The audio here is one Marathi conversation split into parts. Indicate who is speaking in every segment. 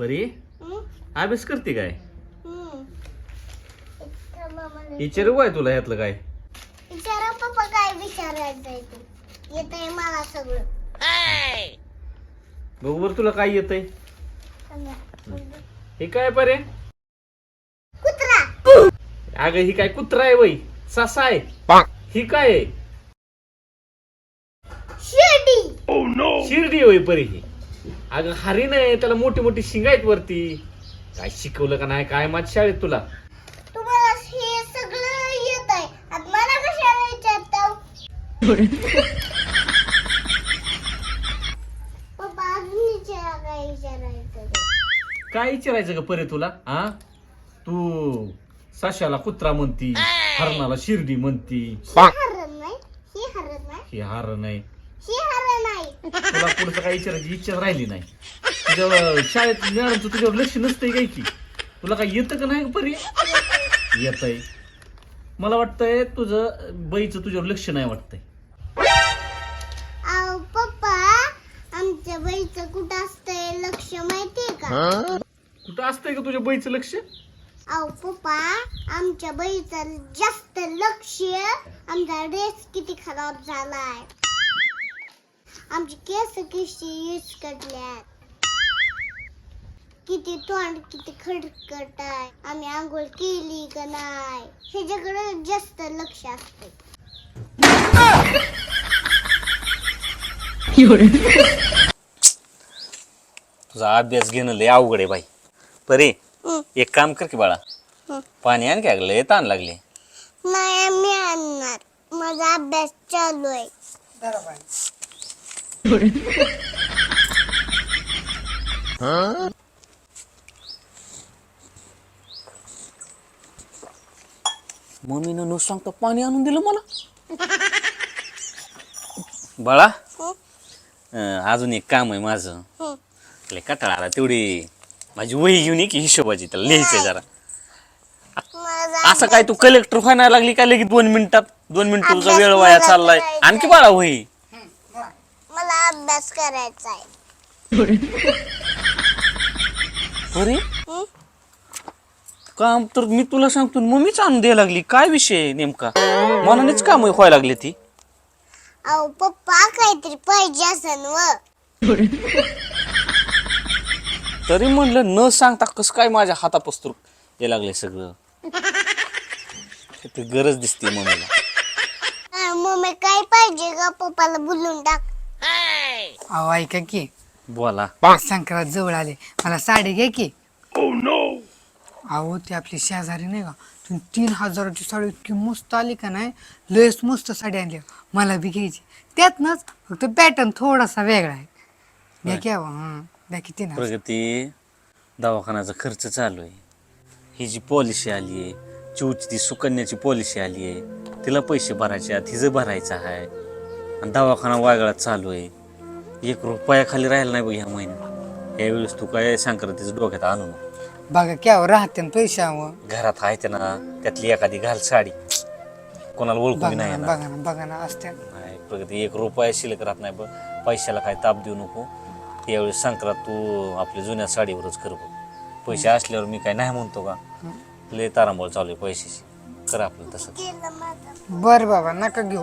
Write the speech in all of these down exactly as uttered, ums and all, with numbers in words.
Speaker 1: परी अभ्यास करते काय? विचारू काय तुला यातलं काय?
Speaker 2: विचारा पप्पा काय विचारायचंय ते येतंय मला सगळं.
Speaker 1: बघू बरं तुला काय येतंय. हे काय परे?
Speaker 2: कुत्रा.
Speaker 1: अगं ही काय कुत्रा आहे वय? ससा आहे. ही काय आहे?
Speaker 2: शिर्डी.
Speaker 1: शिर्डी होय परी ही. अगं हरिण आहे, त्याला मोठी मोठी शिंग आहेत वरती. काय शिकवलं का नाही काय माझ्या शाळेत तुला?
Speaker 2: तुम्हाला हे सगळं येत आहे आणि मला कशाला विचारता? पप्पा अजून विचारा काय विचारायचं ते.
Speaker 1: काय विचारायचं ग परे तुला? हा तू सशाला कुत्रा म्हणती, हरणाला शिर्डी म्हणती.
Speaker 2: हरण नाही ही हरण नाही
Speaker 1: ही हरण नाही.
Speaker 2: ही हरण नाही.
Speaker 1: तुला पुढचं काय विचारायची इच्छा राहिली नाही. तुझ्या शाळेत मॅडमचं तुझ्यावर लक्ष नसतंय काय की? तुला काय येतं का नाही परी? येतंय. मला वाटतंय तुझं बाईचं तुझ्यावर लक्ष नाही वाटतंय.
Speaker 2: अहो पप्पा आमच्या बाईचं कुठं असतंय लक्ष माहितीये का?
Speaker 1: कुठं असतंय का तुझ्या बाईचं लक्ष?
Speaker 2: अहो पप्पा आमच्या बाईचं जास्त लक्ष आमचा ड्रेस किती खराब झालाय, आमची केस कशी यूज करल्यात, किती तोंड किती खडखट आहे, आम्ही आंघोळ केली का नाही ह्याच्याकडे जास्त लक्ष असते.
Speaker 1: तुझा अभ्यास घेणं लय अवघड आहे बाई. परे एक काम कर की बाळा, पाणी आण की लय ताण लागले.
Speaker 2: नाही मी आणणार, माझा अभ्यास चालू आहे.
Speaker 1: मम्मीनं न सांगता पाणी आणून दिलं मला. बाळा अं, अजून एक काम आहे माझं. लय कंटाळा आला, तेवढी माझी वही घेऊन ये की हिशोबाची, त्याला लिहायचंय जरा. असं काय तू कलेक्टर व्हायला लागली काय लगेच दोन मिनिटात? दोन मिनिट तुझा वेळ वाया चाललाय. आणखी बाळा वही.
Speaker 2: मला अभ्यास करायचा आहे.
Speaker 1: अरे काम तर मी तुला सांगतो मम्मीच आणून द्यायला लागली. काय विषय नेमका? मनानेच काम व्हायला लागली ती.
Speaker 2: अहो पप्पा काहीतरी पाहिजे असन व.
Speaker 1: तरी म्हणलं न सांगता कसं काय माझ्या हातापस्तूर हे लागले सगळं. ते गरज दिसते मम्मीला.
Speaker 2: मम्मी काय पाहिजे का पप्पाला बोलून टाक.
Speaker 3: अहो ऐका की,
Speaker 1: बोला.
Speaker 3: संक्रांत जवळ आले, मला साडी घ्या की. अहो ती आपली शेजारी नाही का, तुम्ही तीन हजाराची साडी इतकी मस्त आली का नाही, लयच मस्त साडी आणली, मला बी घ्यायची. त्यातनच फक्त पॅटर्न थोडासा वेगळा आहे. द्या की अहो, हां द्या किती ना.
Speaker 1: प्रगती दवाखान्याचा खर्च चालू आहे, ही जी पॉलिसी आली आहे, चिवची ती सुकन्याची पॉलिसी आली आहे, तिला पैसे भरायचे आहेत, हिचं भरायचं आहे, आणि दवाखाना वागळात चालू आहे. एक रुपया खाली राहिला नाही बघ ह्या महिन्यात. यावेळेस तू काय संक्रांतीचं डोक्यात आणू नको.
Speaker 3: बघा की अहो राहते ना पैशावर.
Speaker 1: घरात आहे ते ना, त्यातली एखादी घाल साडी, कोणाला ओळखू
Speaker 3: बघा
Speaker 1: नाही
Speaker 3: ना
Speaker 1: येणार.
Speaker 3: बघा ना बघा ना असते.
Speaker 1: नाही प्रगती एक रुपया शिल्लक राहत नाही बघ. पैशाला काय ताप देऊ नको. यावेळेस संक्रांत तू आपल्या जुन्या साडीवरच कर बघ. पैसे असल्यावर मी काय नाही म्हणतो का? लय तारांबळ चालू आहे पैशाची. कर आपलं तसं.
Speaker 3: बर बाबा नका घेऊ.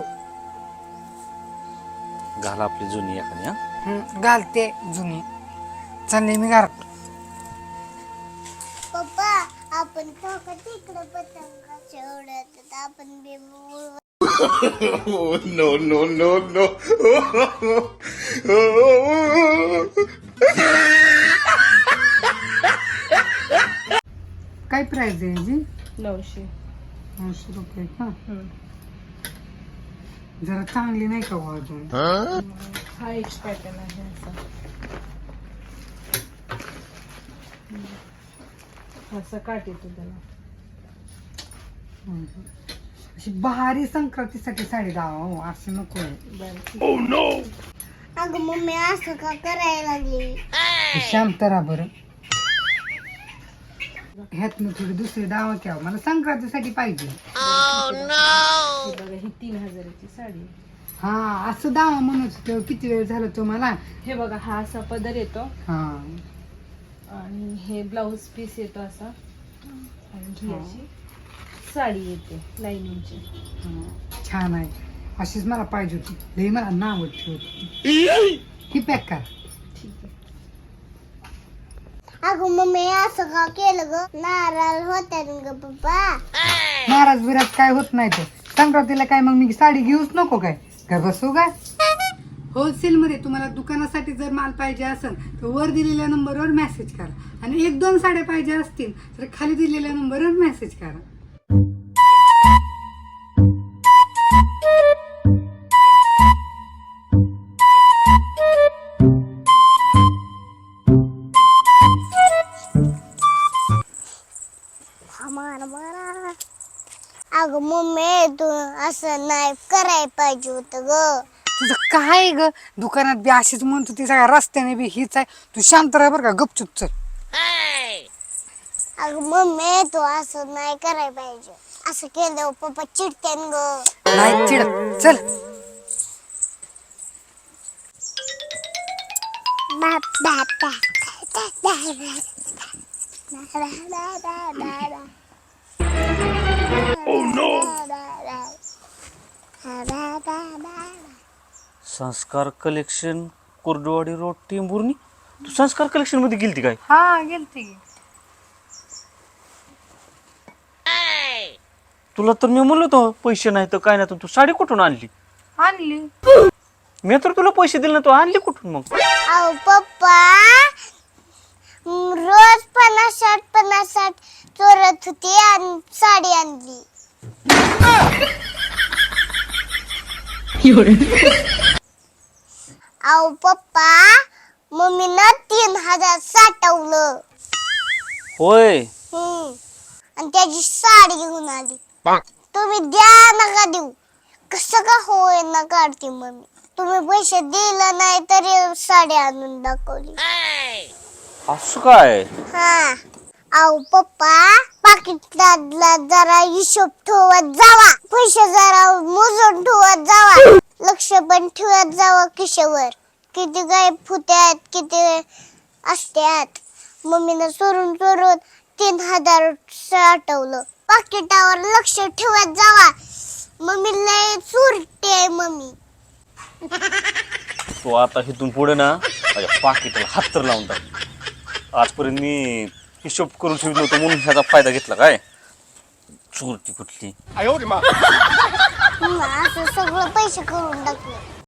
Speaker 1: घाल आपली जुनी एखादी. हा
Speaker 3: हं, घालते जुनी. चालले मी घरात.
Speaker 2: पप्पा आपण काका तिकडे पतंगाच्या उडत आपण बी उडवू.
Speaker 4: no, no, no, no.
Speaker 3: काय प्राइस आहे जी?
Speaker 5: नऊशे.
Speaker 3: नऊशे रुपये का? जरा चांगली नाही का हो अजून?
Speaker 5: हा एक पॅटर्न आहे असा. असं काट येतो त्याला.
Speaker 3: अशी भारी संक्रांतीसाठी साडी दावा हो, असं नको आहे.
Speaker 5: बरं.
Speaker 2: अगं मम्मी असं का करायला लागली?
Speaker 3: शांत राहा बरं. ह्यात मग थोडी दुसरी दावा घ्या, मला संक्रांतीसाठी पाहिजे.
Speaker 5: हे बघा ही तीन हजाराची साडी आहे.
Speaker 3: हा असं दावा म्हणत होतो. किती वेळ झाला तुम्हाला?
Speaker 5: हे बघा हा असा पदर येतो
Speaker 3: हा
Speaker 5: आणि हे ब्लाऊज पीस येतो असा आणि ही अशी साडी येते लाईनिंगची.
Speaker 3: छान आहे, अशीच मला पाहिजे होती. लई मला नाव ठेवत ही पॅक करा.
Speaker 5: ठीक आहे.
Speaker 2: अगं मम्मी असं का केलं ग? नाराज होत्या ग पप्पा.
Speaker 3: नाराज बिराज काय होत नाही तर संक्रांतीला काय मग मी साडी घेऊच नको काय काय बसू काय? होलसेल मध्ये तुम्हाला दुकानासाठी जर माल पाहिजे असेल तर वर दिलेल्या नंबरवर मेसेज करा आणि एक दोन साड्या पाहिजे असतील तर खाली दिलेल्या नंबरवर मेसेज करा.
Speaker 2: अगं मम्मी तू असं नाही करायला पाहिजे होतं ग.
Speaker 3: तुझं काय ग दुकानात बी अशीच म्हणतो ती सगळ्या रस्त्याने बी हीच आहे. तू शांत राह बरं का, गपचूप चल.
Speaker 2: अगं मम्मी तू असं नाही करायला पाहिजे. असं केलं पप्पा चिडतेन ग.
Speaker 3: नाही चिड चल.
Speaker 1: Sanskar collection, Kurduwadi road, Tembhurni. तू संस्कार कलेक्शन मध्ये गेलती काय?
Speaker 3: हा गेलती.
Speaker 1: तुला तर मी म्हणलो होतो पैसे नाही तर काय नाही, तर तू साडी कुठून आणली?
Speaker 3: आणली.
Speaker 1: मी तर तुला पैसे दिले ना, तू आणली कुठून मग?
Speaker 2: अहो पप्पा रोज पन्नास साठ पन्नास साठ चोरत होती आणि साडी आणली. अहो पप्पा मम्मीनं तीन हजार साठवलं.
Speaker 1: होय.
Speaker 2: हम्म आणि त्याची साडी घेऊन आली. तुम्ही द्या नका देऊ, कसं का होय ना काढते मम्मी. तुम्ही पैसे दिला नाही तरी साडी आणून दाखवली.
Speaker 1: असं काय?
Speaker 2: हा अहो पप्पा पाकिटातला जरा हिशोब ठेवत जावा, पैसे जरा मोजून ठेवत जावा, लक्ष पण ठेवत जावा खिशेवर किती काय फुत्यात किती असत्यात. मम्मीनं चोरून चोरून तीन हजार साठवलं. पाकिटावर लक्ष ठेवत जावा, मम्मी लय चोरटी आहे मम्मी.
Speaker 1: तू आता इथून पुढे ना माझ्या पाकिटाला हात तर लावून टाक. आजपर्यंत मी हिशोब करून ठेवलो होतो म्हणून ह्याचा फायदा घेतला काय? चोरटी कुठली.
Speaker 2: असं सगळं पैसे करून टाकले.